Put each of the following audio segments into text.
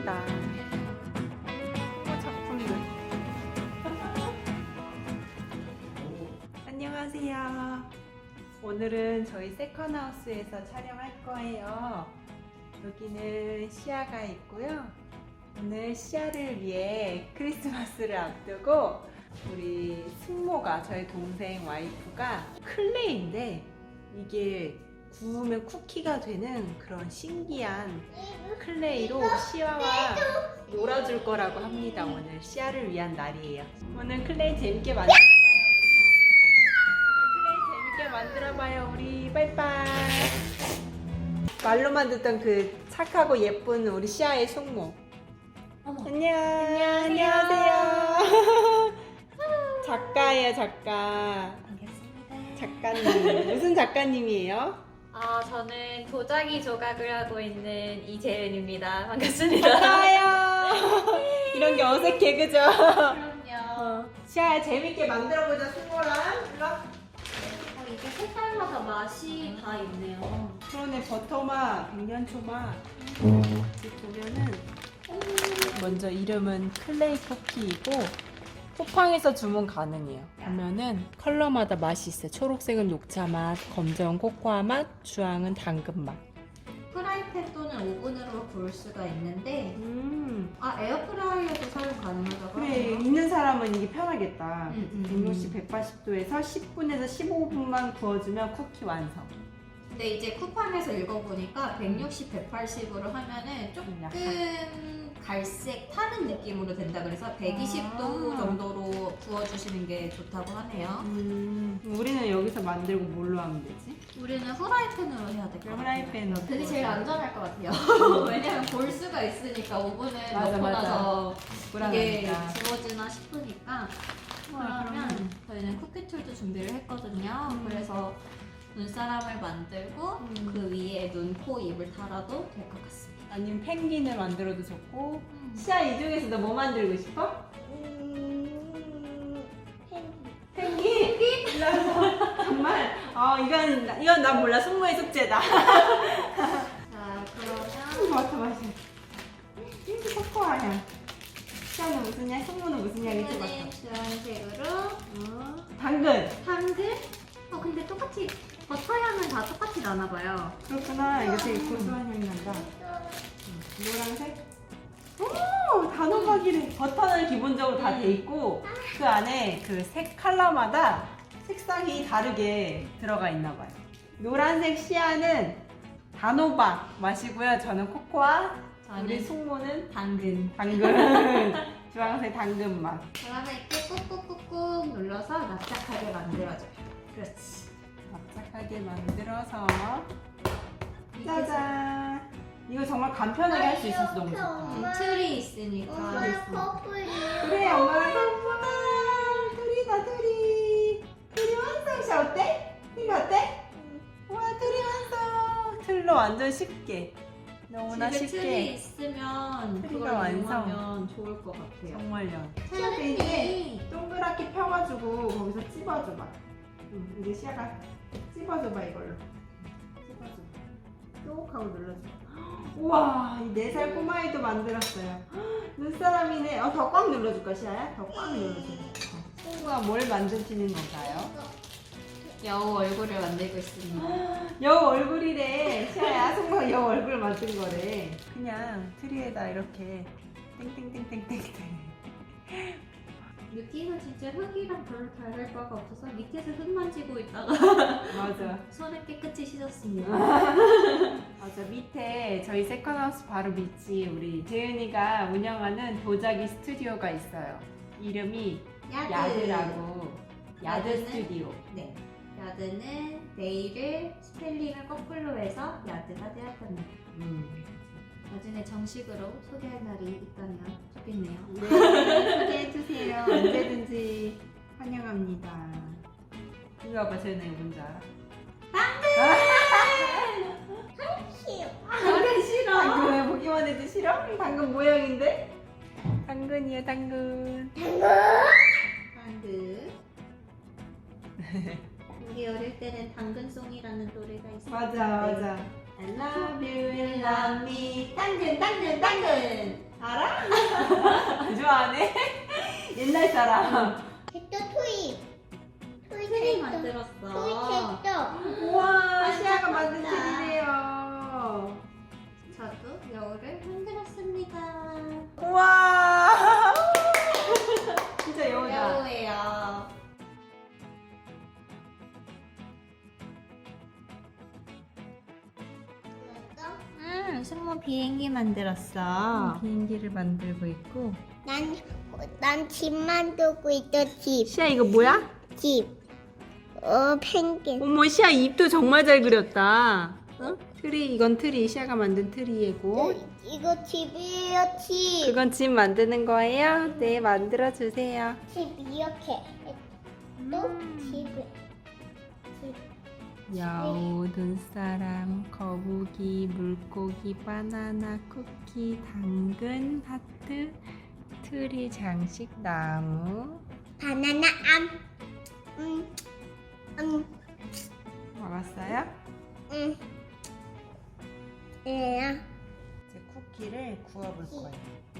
있습니다. 작품들. 안녕하세요. 오늘은 저희 세컨하우스에서 촬영할 거예요. 여기는 시아가 있고요. 오늘 시아를 위해 크리스마스를 앞두고 우리 숙모가, 저희 동생 와이프가 클레이인데 이게 구우면 쿠키가 되는 그런 신기한 클레이로 시아와 놀아줄 거라고 합니다. 오늘 시아를 위한 날이에요. 오늘 클레이 재밌게 만들어봐요. 클레이 재밌게 만들어봐요. 우리 빠이빠이. 말로만 듣던 그 착하고 예쁜 우리 시아의 숙모. 안녕. 안녕하세요. 작가예요, 작가. 반갑습니다. 작가님. 무슨 작가님이에요? 저는 도자기 조각을 하고 있는 이재은입니다. 반갑습니다. 반가워요. 이런 게 어색해, 그죠? 그럼요. 시아야, 재밌게 만들어보자, 숙모랑. 일로 와. 이게 색깔마다 맛이 다 있네요. 그러네, 버터맛, 백년초맛. 여기 보면은 먼저 이름은 클레이 쿠키이고 쿠팡에서 주문 가능해요. 보면은 컬러마다 맛이 있어요. 초록색은 녹차 맛, 검정은 코코아 맛, 주황은 당근 맛. 프라이팬 또는 오븐으로 구울 수가 있는데 에어프라이어도 사용 가능하다고 그래, 하네요. 있는 사람은 이게 편하겠다. 음. 160, 180도에서 10분에서 15분만 구워주면 쿠키 완성. 근데 이제 쿠팡에서 읽어보니까 160, 180으로 하면은 조금 갈색 타는 느낌으로 된다 그래서 120도 정도로 구워주시는 게 좋다고 하네요. 우리는 여기서 만들고 뭘로 하면 되지? 우리는 후라이팬으로 해야 될 것 같아요. 후라이팬으로. 그게 제일 안전할 것 같아요. 왜냐면 볼 수가 있으니까 오븐에 맞아, 넣고 맞아. 나서 이게 불안하니까. 지워지나 싶으니까. 그러면 저희는 쿠키툴도 준비를 했거든요. 그래서 눈사람을 만들고 그 위에 눈, 코, 입을 달아도 될 것 같습니다. 아니면 펭귄을 만들어도 좋고. 시아, 이 중에서 너 뭐 만들고 싶어? 펭귄? 일로 와서. 정말? 이건 난 몰라. 숙모의 숙제다. 자, 그러면 맡아 마셔. 핑크 코코아향. 시아는 무슨 향? 숙모는 무슨 향이 좀 맡아? 이거는 주황색으로 당근. 당근? 근데 똑같이 버터 향은 다 똑같이 나나봐요. 그렇구나. 이거 되게 고소한 향이 난다. 노란색? 오! 단호박이래. 버터는 기본적으로 다 돼 있고 그 안에 그 색 컬러마다 색상이 다르게 들어가 있나 봐요. 노란색 시아는 단호박 맛이고요. 저는 코코아. 우리 숙모는 당근. 당근. 주황색 당근 맛. 그러면 이렇게 꾹꾹꾹꾹 눌러서 납작하게 만들어줘요. 그렇지. 납작하게 만들어서 짜잔. 이거 정말 간편하게 할 수 있어서 너무 좋다. 틀이 있으니까. 그래, 엄마랑 예쁘다. 둘이다, 둘이. 둘이 완성. 시 어때? 둘이 어때? 와, 둘이 완성. 틀로 완전 쉽게. 너무나 집에 틀이 쉽게. 있으면 틀이가 그걸 완성. 이용하면 좋을 것 같아요. 정말요. 시아도 이제 동그랗게 펴가지고 거기서 찝어줘봐. 이제 시아가 찝어줘봐, 이걸로. 찝어줘. 쭉 하고 눌러줘. 우와, 이 4살 꼬마이도 만들었어요. 눈사람이네. 더 꽉 눌러줄까, 시아야? 더 꽉 눌러줘. 친구가 뭘 만드시는 건가요? 여우 얼굴을 만들고 있습니다. 여우 얼굴이래. 시아야, 승모가 여우 얼굴 만든 거래. 그냥 트리에다 이렇게 땡땡땡땡땡땡. 느낌은 진짜 흙이랑 별로 다를 바가 없어서 밑에서 흙 만지고 있다가 맞아. 손을 깨끗이 씻었습니다. 맞아. 밑에 저희 세컨하우스 바로 밑이 우리 재은이가 운영하는 도자기 스튜디오가 있어요. 이름이 야드라고. 야드 야드는? 스튜디오. 네. 야드는 네일을 스펠링을 거꾸로 해서 야드가 되었답니다. 나중에 정식으로 소개할 날이 있다면 좋겠네요. 네, 소개해주세요. 언제든지 환영합니다. 이리 와봐, 재은아, 이거 뭔지 알아? 당근 싫어. 당근 왜 보기만 해도 싫어? 당근 모양인데? 당근이야, 당근. 당근. 우리 어릴 때는 당근송이라는 노래가 있었는데 맞아, 맞아. I love you, you love me. 당근, 당근, 당근. 알아? 좋아하네. 옛날 사람. 또 토이. 토이 트리 됐어. 만들었어. 토이 됐어. 우와, 시아가 만든 잘한다. 틀이래요. 저도 여우를 만들었습니다. 우와. 진짜 여우다. 여우예요. 승모 비행기 만들었어. 비행기를 만들고 있고. 난 집 만들고 있어, 집. 시아 이거 뭐야? 집. 펭귄. 어머, 시아 입도 정말 잘 그렸다. 어? 트리, 이건 트리. 시아가 만든 트리이고. 이거 집이에요, 집. 그건 집 만드는 거예요? 네, 만들어 주세요. 집 이렇게. 또 집을. 여우, 눈사람, 거북이, 물고기, 바나나, 쿠키, 당근, 하트, 트리, 장식, 나무. 바나나 먹었어요? 예. 이제 쿠키를 구워볼 거예요.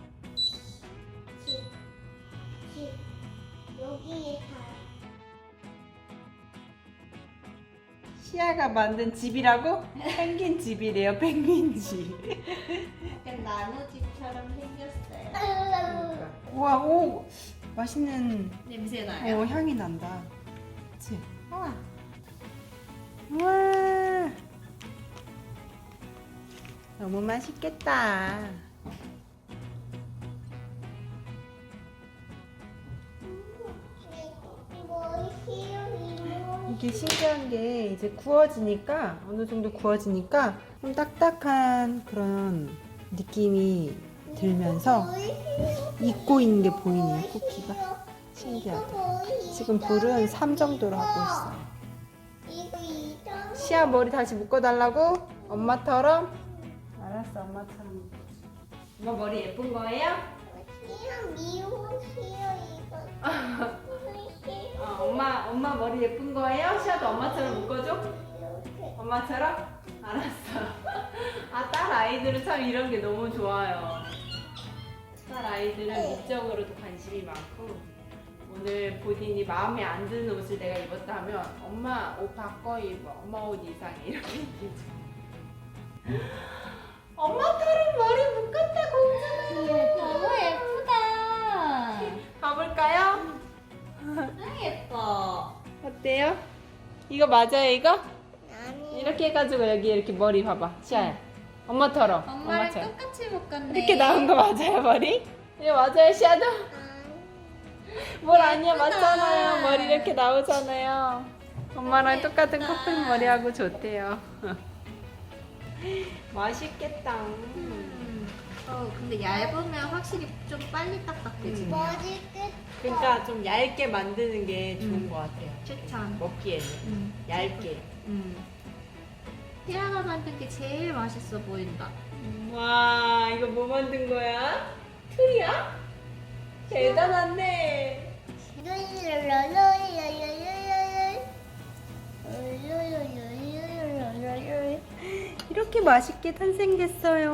집. 여기에 다. 시아가 만든 집이라고? 펭귄 집이래요, 펭귄 집. 약간 나무집처럼 생겼어요. 우와, 오, 맛있는 냄새 나요. 향이 난다. 그치? 우와. 너무 맛있겠다. 이게 신기한 게 이제 구워지니까 어느 정도 구워지니까 좀 딱딱한 그런 느낌이 들면서 익고 있는 게 보이네요, 쿠키가. 신기하다. 지금 불은 3 정도로 하고 있어요. 시아 머리 다시 묶어달라고? 엄마처럼? 알았어, 엄마처럼. 엄마 머리 예쁜 거예요? 엄마 머리 예쁜 거예요? 시아도 엄마처럼 묶어줘? 엄마처럼? 알았어. 아, 딸 아이들은 참 이런 게 너무 좋아요. 딸 아이들은 미적으로도 관심이 많고, 오늘 본인이 마음에 안 드는 옷을 내가 입었다 하면 엄마 옷 바꿔 입어. 엄마 옷 이상해. 이렇게 얘기해줘. 엄마처럼 머리 묶었다, 공주는. 너무 예쁘다. 가볼까요? 너무 예뻐. 어때요? 이거 맞아요, 이거? 이렇게 해가지고 여기 이렇게 머리 봐봐. 시아야. 엄마처럼. 엄마랑 엄마처럼. 똑같이 묶었네. 이렇게 나온 거 맞아요, 머리? 이거 맞아요, 시아도? 뭘 아니야, 예쁘다. 맞잖아요. 머리 이렇게 나오잖아요. 엄마랑 똑같은 커플 머리하고 좋대요. 맛있겠다. 근데 얇으면 확실히 좀 빨리 딱딱해지. 머리 끝. 그러니까 좀 얇게 만드는 게 좋은 것 같아요. 추천. 먹기에는. 얇게. 티라가 만든 게 제일 맛있어 보인다. 와, 이거 뭐 만든 거야? 틀이야? 대단한데. 이렇게 맛있게 탄생됐어요.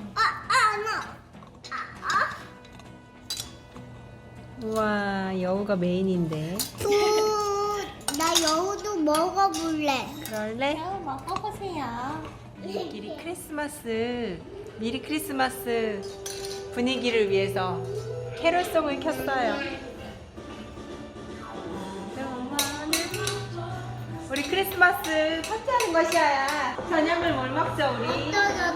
우와, 여우가 메인인데. 나 여우도 먹어볼래. 그럴래? 여우 먹어보세요. 미리 크리스마스, 미리 크리스마스 분위기를 위해서 캐롤송을 켰어요. 우리 크리스마스 파티하는 것이야. 저녁을 뭘 먹자, 우리?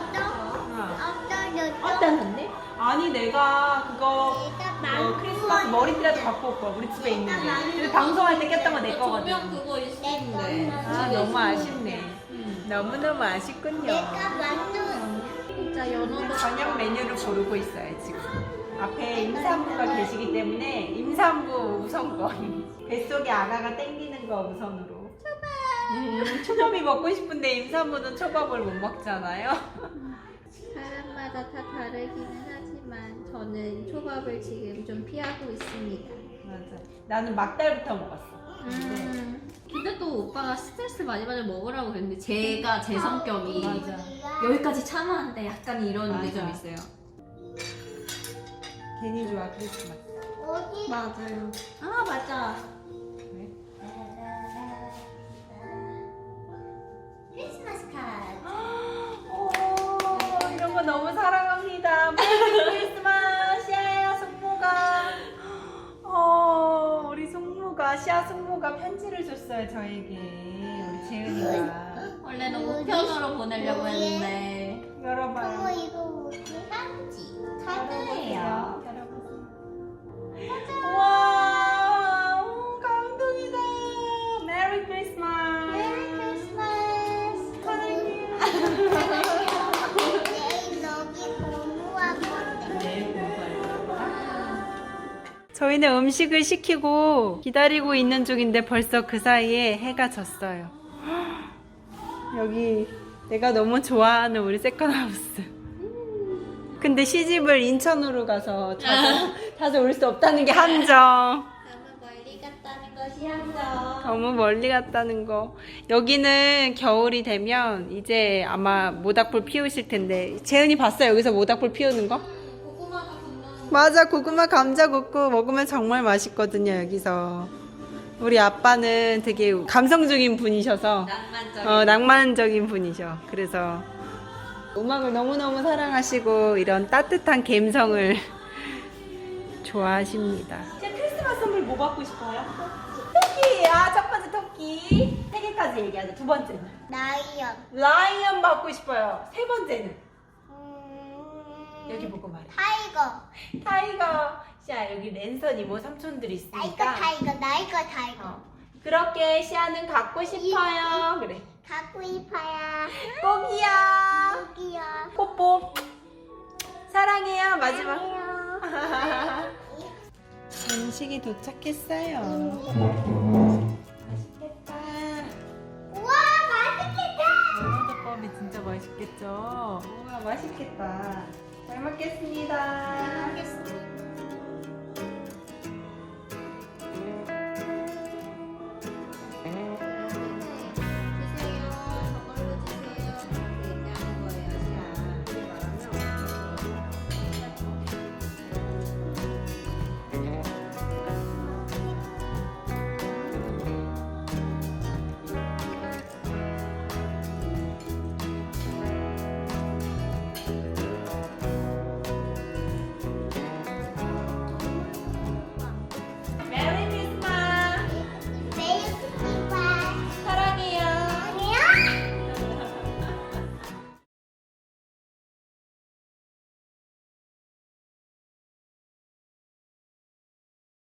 어떠는데? 아니, 내가 그거 크리스마스 머리띠라도 갖고 올 거야. 우리 집에 있는 게. 근데 방송할 때 꼈던 거 내 거거든. 조명 그거 있었는데. 아, 너무 아쉽네. 너무너무 아쉽군요. 내가 만든 진짜 연어도 저녁 메뉴를 고르고 있어요, 지금. 앞에 임산부가 계시기 때문에 임산부 우선권. 뱃속에 아가가 땡기는 거 우선으로. 초밥이 먹고 싶은데 임산부는 초밥을 못 먹잖아요. 사람마다 다 다르기는 하지만 저는 초밥을 지금 좀 피하고 있습니다. 맞아. 나는 막달부터 먹었어. 근데 또 오빠가 스트레스 많이 받으면 먹으라고 그랬는데 제가 제 성격이 맞아. 여기까지 참아한데 약간 이런 게 좀 맞아. 있어요. 괜히 좋아 크리스마스. 어디? 맞아요. 아 맞아. 네. 크리스마스 카드. 오, 이런 거 너무 사랑합니다. 메리 크리스마스. 시아야 숙모가 우리 숙모가 시아 숙모가 편지를 줬어요 저에게. 우리 재은이가. 원래는 우편으로 보내려고 했는데 어머 열어봐요. 이거 뭐지? 편지 카드예요. 와, 감동이다. 메리 크리스마스. 메리 크리스마스. 사랑해요. 내일 여기 공부할 건데. 저희는 음식을 시키고 기다리고 있는 중인데 벌써 그 사이에 해가 졌어요. 여기 내가 너무 좋아하는 우리 세컨하우스. 근데 시집을 인천으로 가서 자주 올 수 없다는 게 함정. 너무 멀리 갔다는 것이 함정. 너무 멀리 갔다는 거. 여기는 겨울이 되면 이제 아마 모닥불 피우실 텐데. 재은이 봤어요? 여기서 모닥불 피우는 거? 고구마가 붙는. 맞아. 고구마 감자 굽고 먹으면 정말 맛있거든요. 여기서. 우리 아빠는 되게 감성적인 분이셔서 낭만적인. 낭만적인 분이셔. 그래서 음악을 너무너무 사랑하시고 이런 따뜻한 감성을 좋아하십니다. 제 크리스마스 선물 뭐 받고 싶어요? 토끼! 첫 번째 토끼. 3개까지 얘기하자. 두 번째는 라이언. 라이언 받고 싶어요. 세 번째는 여기 보고 말해. 타이거. 타이거. 자, 여기 랜선 이모 삼촌들이 나 이거 있으니까 타이거. 나 이거 타이거. 그렇게 시아는 갖고 싶어요. 그래. 갖고 싶어요. 꼭이야. 여기요. 뽀뽀. 사랑해요. 마지막. 사랑해요. 음식이 도착했어요. 맛있겠다. 우와 맛있겠다. 연어덮밥이 진짜 맛있겠죠? 우와, 맛있겠다. 잘 먹겠습니다. 먹겠습니다.